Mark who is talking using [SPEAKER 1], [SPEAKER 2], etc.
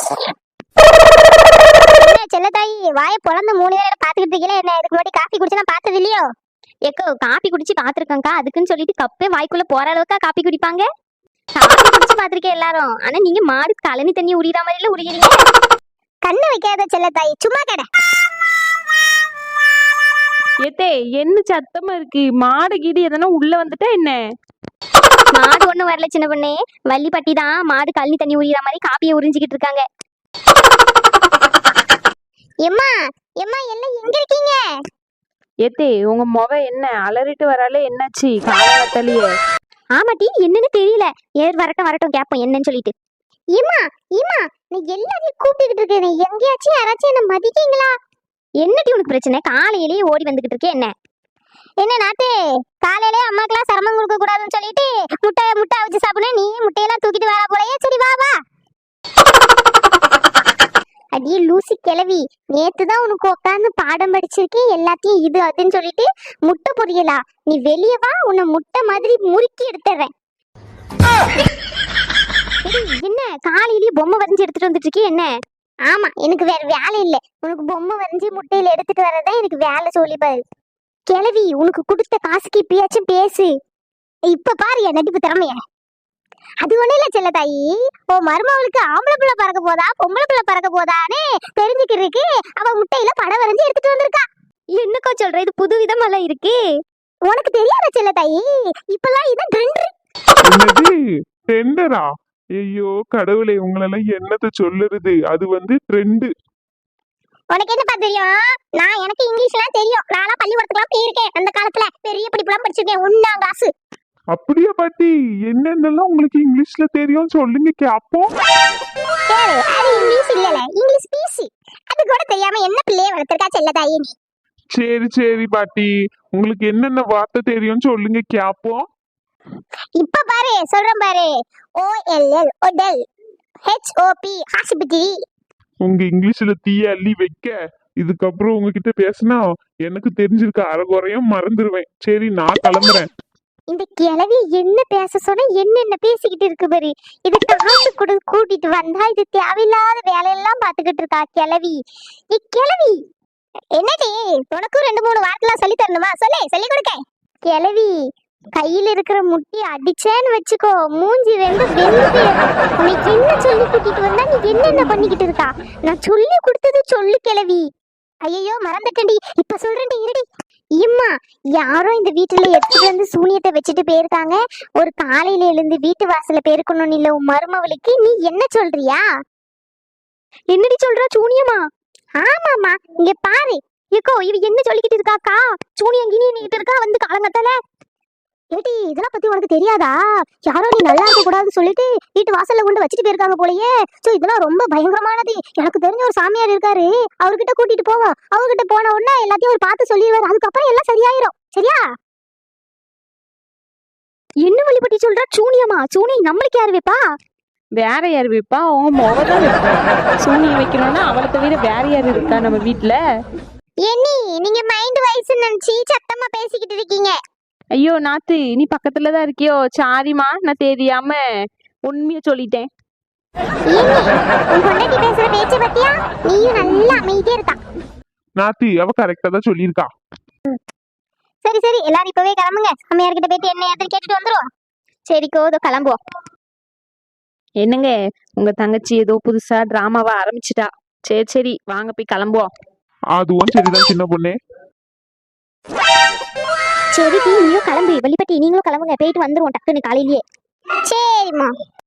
[SPEAKER 1] செல்லத்தாயி வாய பொழந்த 3 பேரை பாத்துக்கிட்டு இருக்கீங்களே, என்ன இதுக்கு முன்னாடி காஃபி குடிச்சு நான் பார்த்தது இல்லையோ?
[SPEAKER 2] ஏக்கோ காப்பி குடிச்சு பாத்துருக்கேன்க்கா. அதுக்குன்னு சொல்லிட்டு கப்பே வாய்க்குள்ள போற அளவுக்கா காப்பி குடிப்பாங்க? காப்பி குடிச்சு பாத்திருக்கேன் எல்லாரும். ஆனா நீங்க மாடு கழனி தண்ணி உரியிற மாதிரில உரிக்கிறீங்க.
[SPEAKER 1] கண்ணு வைக்காத செல்லத்தாயி, சும்மா கடை.
[SPEAKER 3] ஏத்தே என்ன சத்தமா இருக்கு? மாடு கீடு எதனா உள்ள வந்துட்டா என்ன?
[SPEAKER 2] மாடு ஒண்ணும் வரல சின்ன பொண்ணே. வள்ளிப்பட்டி தான் மாடு கழனி தண்ணி உரியிற மாதிரி காப்பியை உறிஞ்சிக்கிட்டு இருக்காங்க.
[SPEAKER 1] எம்மா எம்மா எல்லாம் எங்க இருக்கீங்க?
[SPEAKER 3] ஏத்தே உங்க மொவ என்ன அலறிட்டு வராலே, என்னாச்சு காலத்தலையே?
[SPEAKER 2] ஆமாட்டி, என்னன்னு தெரியல. வரட்டும் வரட்டும் கேப்போம் என்னன்னு சொல்லிட்டு.
[SPEAKER 1] ஏமா ஏமா நீ எல்லாரையும் கூப்பிட்டுக்கிட்டு இருக்கேன், நீ எங்கேயாச்சும் யாராச்சும் என்ன மதிக்கீங்களா?
[SPEAKER 2] என்னடி உனக்கு பிரச்சனை? காலையிலேயே ஓடி வந்துகிட்டு இருக்கே என்ன?
[SPEAKER 1] என்ன நாத்து, காலையிலே அம்மாக்கெல்லாம் சிரமம் கொடுக்க கூடாதுன்னு சொல்லிட்டு முட்டை அவிச்சு சாப்பிடணும், நீ முட்டையெல்லாம் தூக்கிட்டு வர போலயே. சரி வா வா. அடியே லூசி கிளவி, நேத்துதான் உனக்கு உட்காந்து பாடம் படிச்சிருக்கேன், எல்லாத்தையும் இது அதுன்னு சொல்லிட்டு முட்டை பொரியலா? நீ வெளியே வா, உன்னை முட்டை மாதிரி முறுக்கி எடுத்துறேன்.
[SPEAKER 2] என்ன காலையிலேயே பொம்மை வரைஞ்சி எடுத்துட்டு வந்துட்டு இருக்கே என்ன?
[SPEAKER 1] ஆமா, எனக்கு வேற வேலை இல்ல, உனக்கு பொம்மை வரைஞ்சி முட்டையில எடுத்துட்டு வரதான் எனக்கு வேலை. சொல்லிப்பாரு கிளவி, உனக்கு கொடுத்த காசுக்கு இப்பயாச்சும் பேசு. இப்ப பாரு என் நடிப்பு திறமைய. அது ஒண்ணு இல்ல செல்லத்தாயி, ஓ மருமவளுக்கு ஆம்பளை பிள்ளை பறக்க போதா பொம்பளை பிள்ளை பறக்க போதான்னு தெரிஞ்சுக்கிறதுக்கு அவ முட்டையில படம் வரைஞ்சி எடுத்துட்டு வந்திருக்கா.
[SPEAKER 2] என்னக்கா சொல்ற? இது புது விதமெல்லாம் இருக்கு.
[SPEAKER 1] உனக்கு தெரியாத செல்லத்தாயி, இப்பெல்லாம் இதான் ட்ரெண்ட்.
[SPEAKER 4] என்னது ட்ரெண்டரா? ஐயோ கடவுளே, உங்களெல்லாம் என்னத்த சொல்லுறது? அது வந்து ட்ரெண்டு.
[SPEAKER 1] உனக்கு என்னப்பா தெரியும்? எனக்கு இங்கிலீஷ்லாம் தெரியும், நான்லாம் பள்ளிக்கூடத்துக்குலாம் போயிருக்கேன். அந்த காலத்துல பெரிய படிப்புலாம் படிச்சிருக்கேன், 1ஆம் கிளாஸ்.
[SPEAKER 4] அப்படியா பாட்டி? என்னென்னலாம் உங்களுக்கு இங்கிலீஷ்ல தெரியும் சொல்லுங்க கேப்போம்.
[SPEAKER 1] அது இங்கிலீஷ் இல்லல, இங்கிலீஷ் பீஸ். அது கூட தெரியாம என்ன பிள்ளைய வளர்த்திருக்கா செல்லத்தாயி நீ.
[SPEAKER 4] சரி சரி பாட்டி, உங்களுக்கு என்னென்ன வார்த்தை தெரியும் சொல்லுங்க கேப்போம்.
[SPEAKER 1] இப்ப பாரு சொல்றேன் பாரு. OLL ஒடல், HOP ஹாஸ்பிட்டல்.
[SPEAKER 4] உங்க இங்கிலீஷ்ல தீய அள்ளி வைக்க. இதுக்கப்புறம் உங்ககிட்ட பேசினா எனக்கு தெரிஞ்சிருக்க அரைகுறையும் மறந்துடுவேன். சரி நான் கிளம்புறேன்.
[SPEAKER 1] இந்த கிழவி என்ன பேச சொன்னா என்னென்ன பேசிக்கிட்டு இருக்கு பாரு. இது காசு கொடு கூட்டிட்டு வந்தா இது தேவையில்லாத வேலையெல்லாம் பாத்துக்கிட்டு இருக்கா கிழவி. கிழவி என்னடி, உனக்கும் 2-3 வார்த்தைலாம் சொல்லி தரணுமா? சொல்லி கொடுக்க. கிழவி கையில இருக்கிற முட்டி அடிச்சேன்னு வச்சுக்கோ, மூஞ்சி ரெண்டு வெந்து. உனக்கு என்ன சொல்லி கூட்டிட்டு வந்தா நீ என்னென்ன பண்ணிக்கிட்டு இருக்கா? நான் சொல்லி கொடுத்தது சொல்லு கிழவி. ஐயோ மறந்துட்டேன்டி, இப்ப சொல்றேன்டி இருடி. இம்மா, யாரோ இந்த வீட்டுல எடுத்துட்டு வந்து சூனியத்தை வச்சுட்டு போயிருக்காங்க. ஒரு காலையில எழுந்து வீட்டு வாசல பெருக்கணும்னு இல்ல உன் மருமவளுக்கு, நீ என்ன சொல்றியா?
[SPEAKER 2] என்னடி சொல்றா? சூனியமா?
[SPEAKER 1] ஆமாமா, இங்க பாரு.
[SPEAKER 2] ஏக்கோ இவ என்ன சொல்லிக்கிட்டு இருக்காக்கா? சூனியம் கிணிட்டு இருக்கா வந்து காலங்கத்தால.
[SPEAKER 1] ஏடி இதெல்லாம் பத்தி உனக்கு தெரியாதா? யாரோ நீ நல்லா இருக்க கூடாதுன்னு சொல்லிட்டு வீட்டு வாசல்ல கொண்டு வச்சுட்டு போயிருக்காங்க போலயே. சோ இதெல்லாம் ரொம்ப பயங்கரமானது. எனக்கு தெரிஞ்ச ஒரு சாமியார் இருக்காரு, அவர்கிட்ட கூட்டிட்டு போவோம். அவர்கிட்ட போன உடனே எல்லாத்தையும் ஒரு பார்த்து சொல்லிடுவாரு, அதுக்கப்புறம் எல்லாம் சரியாயிரும். சரியா?
[SPEAKER 2] என்ன வழிபட்டி சொல்றா? சூனியமா? சூனியம் நம்மளுக்கு யாரு வைப்பா?
[SPEAKER 3] வேற யாரு வைப்பா? உங்க மொவதான் வைப்பா. சூனியம் வைக்கணும்னா அவளை தவிர வேற யாரு இருக்கா நம்ம வீட்டுல?
[SPEAKER 1] ஏனி நீங்க மைண்ட் வைஸ் நினைச்சு சத்தமா பேசிக்கிட்டு இருக்கீங்க.
[SPEAKER 3] ஐயோ நாத்து, நீ பக்கத்துலதான் இருக்கியோ? சாரிமா, நான் தெரியாம உண்மைய சொல்லிட்டேன்.
[SPEAKER 1] உன் பொண்டாட்டி பேசுற பேச்ச பத்தியா? நீயும் நல்லா அமைதியா இருக்கா.
[SPEAKER 4] நாத்தி அவ கரெக்டா தான் சொல்லியிருக்கா.
[SPEAKER 1] சரி சரி, எல்லாரும் இப்பவே கிளம்புங்க. அம்மையார்கிட்ட போயிட்டு என்ன ஏதுன்னு கேட்டுட்டு வந்துருவோம்.
[SPEAKER 2] சரிக்கோ, இதோ கிளம்புவோம்.
[SPEAKER 3] என்னங்க, உங்க தங்கச்சி ஏதோ புதுசா டிராமாவா ஆரம்பிச்சிட்டா. சரி சரி வாங்க போய் கிளம்புவோம்.
[SPEAKER 4] அதுவும் சரிதான் சின்ன பொண்ணே.
[SPEAKER 2] சரி நீங்களும் கிளம்பு. வழிபட்டி நீங்களும் கிளம்புங்க, போயிட்டு வந்துருவோம் டக்குன்னு காலையிலேயே.
[SPEAKER 1] சரிம்மா.